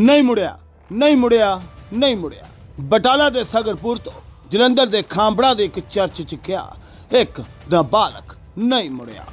ਨਹੀਂ ਮੁੜਿਆ, ਨਹੀਂ ਮੁੜਿਆ, ਨਹੀਂ ਮੁੜਿਆ। ਬਟਾਲਾ ਦੇ ਸਗਰਪੁਰ ਤੋਂ ਜਲੰਧਰ ਦੇ ਖਾਂਬੜਾ ਦੇ ਇੱਕ ਚਰਚ 'ਚ ਗਿਆ ਇੱਕ ਨਾਬਾਲਗ ਨਹੀਂ ਮੁੜਿਆ।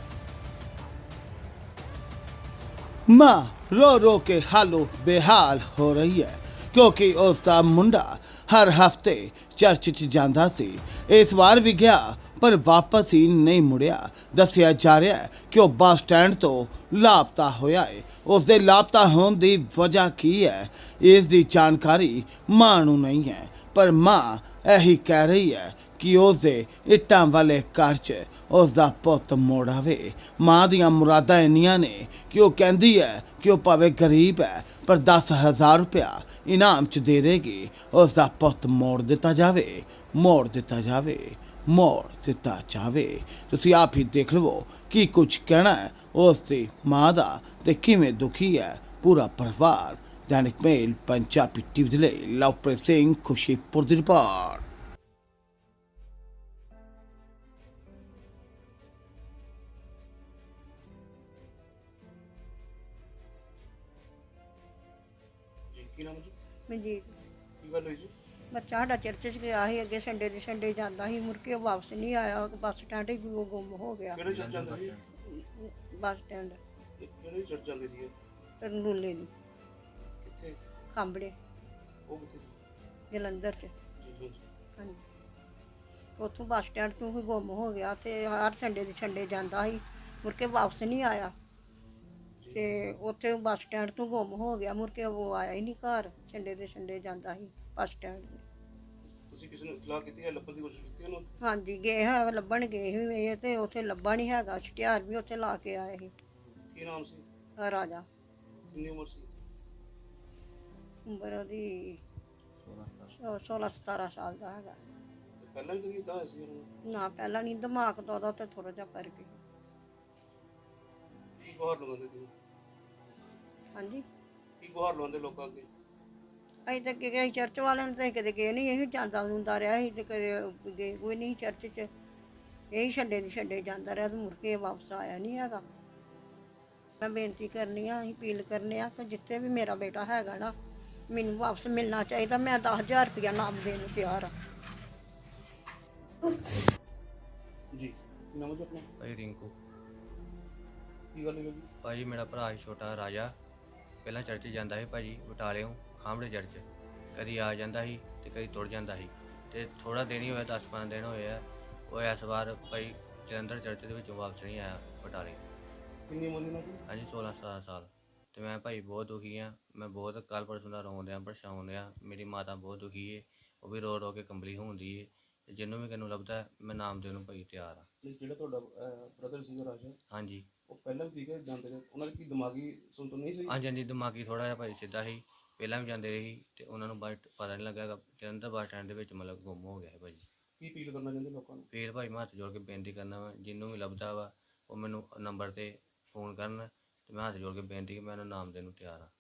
ਮਾਂ रो रो के हालो बेहाल हो रही है क्योंकि उसका मुंडा हर हफ्ते चर्च च जांदा सी। इस बार भी गया पर वापस ही नहीं मुड़िया। दसिया जा रहा है कि वह बस स्टैंड तो लापता होया है। उसके लापता होने की वजह की है इसकी जानकारी मां नूं नहीं है, पर मां यही कह रही है कि उसके इट्टां वाले घर च उसका पुत मुड़ आवे। मां दियां मुरादां इन्नियां ने कि वह कहती है कि वह भावें गरीब है पर 10,000 रुपया इनाम च दे देगी, उसका पुत मोड़ दिता जावे, मोड़ दिता जावे, मोड़ दिता जावे। तुसीं आप ही देख लवो कि कुछ कहना है उसकी मां दा ते किवें दुखी है पूरा परिवार। दैनिक मेल पंजाबी टीवी दे लई लवप्रीत सिंह खुशीपुर दी रिपोर्ट। ਕੀ ਨਾਮ ਜੀ? ਮਨਜੀਤ ਕੀ ਗੱਲ ਹੋਈ ਜੀ? ਬੱਚਾ ਸਾਡਾ ਚਰਚ 'ਚ ਗਿਆ ਸੀ ਅੱਗੇ ਸੰਡੇ ਦੇ ਸੰਡੇ ਜਾਂਦਾ ਸੀ, ਮੁੜ ਕੇ ਉਹ ਵਾਪਸ ਨਹੀਂ ਆਇਆ। ਬੱਸ ਸਟੈਂਡ ਹੀ ਗੁੰਮ ਹੋ ਗਿਆ। ਕਿਹੜੇ ਚਰਚ ਜਾਂਦੇ ਸੀ? ਬੱਸ ਸਟੈਂਡ ਕਿਹੜੇ ਚਰਚ ਜਾਂਦੇ ਸੀਗੇ? ਰਨੂਲੇ ਦੀ ਕਿੱਥੇ? ਖਾਂਬੜੇ ਉਹ ਕਿੱਥੇ? ਜਲੰਧਰ 'ਚ। ਜੀ ਜੀ। ਹਾਂਜੀ, ਉੱਥੋਂ ਬੱਸ ਸਟੈਂਡ ਤੋਂ ਹੀ ਗੁੰਮ ਹੋ ਗਿਆ ਤੇ ਹਰ ਸੰਡੇ ਦੇ ਸੰਡੇ ਜਾਂਦਾ ਸੀ, ਮੁੜ ਕੇ ਵਾਪਸ ਨਹੀਂ ਆਇਆ ਤੇ ਉੱਥੇ ਬੱਸ ਸਟੈਂਡ ਤੋਂ ਗੁੰਮ ਹੋ ਗਿਆ। ਮੁੜ ਕੇ ਉਹ ਆਇਆ ਹੀ ਨਹੀਂ ਘਰ। ਸੰਡੇ ਦੇ ਸੰਡੇ ਜਾਂਦਾ ਸੀ ਬੱਸ ਸਟੈਂਡ। ਤੁਸੀਂ ਕਿਸੇ ਨੂੰ ਇਤਲਾਹ ਕੀਤੀ ਹੈ? ਲੱਭਣ ਦੀ ਕੋਸ਼ਿਸ਼ ਕੀਤੀ ਉਹਨੂੰ? ਹਾਂਜੀ, ਗਏ ਹਾਂ, ਲੱਭਣ ਗਏ ਸੀ ਇਹ ਤੇ ਉੱਥੇ ਲੱਭਾ ਨਹੀਂ ਹੈਗਾ। ਇਸ਼ਤਿਹਾਰ ਵੀ ਉੱਥੇ ਲਾ ਕੇ ਆਏ ਸੀ। ਕੀ ਨਾਮ ਸੀ? ਰਾਜਾ। ਕਿੰਨੀ ਉਮਰ ਸੀ? ਉਮਰ ਉਹਦੀ 16-17 ਸਾਲ ਦਾ ਹੈਗਾ। ਤੇ ਪਹਿਲਾਂ ਵੀ ਕਦੀ ਇਦਾਂ ਹੋਇਆ ਸੀ ਉਹਨੂੰ? ਨਾ, ਪਹਿਲਾਂ ਨਹੀਂ, ਦਿਮਾਗ ਦਾ ਉਹਦਾ ਤੇ ਥੋੜਾ ਜਿਹਾ ਕਰਕੇ। ਕੀ ਗੁਹਾਰ ਲਗਾਉਂਦੇ ਸੀ? ਹਾਂਜੀ, ਕੀ ਗੁਹਾਰ ਲਗਾਉਂਦੇ ਲੋਕਾਂ ਅੱਗੇ? ਅਸੀਂ ਤਾਂ ਗਏ ਚਰਚ ਵਾਲਿਆਂ ਨੂੰ ਤਾਂ ਕਦੇ ਗਏ ਨਹੀਂ। ਇਹ ਜਾਂਦਾ ਹੁੰਦਾ ਰਿਹਾ ਸੀ ਤੇ ਕਦੇ ਗਏ ਕੋਈ ਨਹੀਂ ਚਰਚ 'ਚ। ਇਹੀ ਛੱਡੇ ਦੀ ਛੱਡੇ ਜਾਂਦਾ ਰਿਹਾ ਤੇ ਮੁੜ ਕੇ ਵਾਪਸ ਆਇਆ ਨਹੀਂ ਹੈਗਾ। ਮੈਂ ਬੇਨਤੀ ਕਰਨੀ ਆ, ਅਸੀਂ ਅਪੀਲ ਕਰਨੇ ਆ ਕਿ ਜਿੱਥੇ ਵੀ ਮੇਰਾ ਬੇਟਾ ਹੈਗਾ ਨਾ, ਮੈਨੂੰ ਵਾਪਸ ਮਿਲਣਾ ਚਾਹੀਦਾ। ਮੈਂ 10,000 ਰੁਪਇਆ ਨਾਮ ਦੇਣ ਨੂੰ ਤਿਆਰ ਆ। ਜੀ। ਕੀ ਨਾਮ ਹੈ ਜੀ ਆਪਣਾ? ਭਾਈ ਰਿੰਕੂ। ਕੀ ਗੱਲ ਹੋਈ ਜੀ? ਭਾਜੀ ਮੇਰਾ ਭਰਾ ਸੀ ਛੋਟਾ ਰਾਜਾ, ਪਹਿਲਾਂ ਚਰਚ ਜਾਂਦਾ ਸੀ ਭਾਜੀ ਬਟਾਲਿਓਂ ਖਾਂਬੜੇ ਚਰਚ। ਕਦੀ ਆ ਜਾਂਦਾ ਸੀ ਤੇ ਕਦੀ ਤੁਰ ਜਾਂਦਾ ਸੀ ਤੇ ਥੋੜਾ ਦਿਨ ਹੀ ਹੋਇਆ, 10-15 ਦਿਨ ਹੋਏ ਆ। ਉਹ ਇਸ ਵਾਰ ਭਾਈ ਜਲੰਧਰ ਚਰਚ ਦੇ ਵਿੱਚੋਂ ਵਾਪਸ ਨਹੀਂ ਆਇਆ ਬਟਾਲੇ। ਕਿੰਨੀ ਉਮਰ ਸੀ ਉਹਨਾਂ ਦੀ? ਹਾਂਜੀ 16-17 ਸਾਲ। ਤੇ ਮੈਂ ਭਾਈ ਬਹੁਤ ਦੁਖੀ ਆ। ਮੈਂ ਬਹੁਤ ਕੱਲ੍ਹ ਪਰਸੋਂ ਦਾ ਰੋਣ ਡਿਆ, ਪਰੇਸ਼ਾਨ ਡਿਆ। ਮੇਰੀ ਮਾਤਾ ਬਹੁਤ ਦੁਖੀ ਏ, ਉਹ ਵੀ ਰੋ ਰੋ ਕੇ ਕੰਬਲੀ ਹੁੰਦੀ ਏ। ਤੇ ਜਿਹਨੂੰ ਵੀ ਕਿਨੂੰ ਲੱਭਦਾ ਮੈਂ ਨਾਮ ਦੇਣ ਨੂੰ ਭਾਈ ਤਿਆਰ ਆ। ਤੇ ਜਿਹੜਾ ਤੁਹਾਡਾ ਬ੍ਰਦਰ ਸੀਗਾ ਰਾਜਾ, ਹਾਂਜੀ ਉਹ ਪਹਿਲਾਂ ਵੀ ਠੀਕ ਹੈ ਜਾਂਦੇ ਰਹੇ? ਉਹਨਾਂ ਦੀ ਕੀ ਦਿਮਾਗੀ ਸੁਣਤ ਨਹੀਂ ਸੀ? ਹਾਂਜੀ ਹਾਂਜੀ, ਦਿਮਾਗੀ ਥੋੜ੍ਹਾ ਜਿਹਾ ਭਾਈ ਸਿੱਧਾ ਸੀ। ਪਹਿਲਾਂ ਵੀ ਜਾਂਦੇ ਰਹੇ ਸੀ ਤੇ ਉਹਨਾਂ ਨੂੰ ਬਾਅਦ ਪਤਾ ਨਹੀਂ ਲੱਗਾ। ਜਲੰਧਰ ਬੱਸ ਸਟੈਂਡ ਦੇ ਵਿੱਚ ਮਤਲਬ ਗੁੰਮ ਹੋ ਗਿਆ ਹੈ ਭਾਜੀ। ਕੀ ਅਪੀਲ ਕਰਨਾ ਚਾਹੁੰਦੇ ਲੋਕਾਂ ਨੂੰ? ਫਿਰ ਭਾਈ ਮੈਂ ਹੱਥ ਜੋੜ ਕੇ ਬੇਨਤੀ ਕਰਨਾ ਵਾ, ਜਿਹਨੂੰ ਵੀ ਲੱਭਦਾ ਵਾ ਉਹ ਮੈਨੂੰ ਨੰਬਰ 'ਤੇ ਫੋਨ ਕਰਨ ਤੇ ਮੈਂ ਹੱਥ ਜੋੜ ਕੇ ਬੇਨਤੀ ਕਿ ਮੈਂ ਉਹਨੂੰ ਨਾਮ ਦੇਣ ਨੂੰ ਤਿਆਰ ਹਾਂ।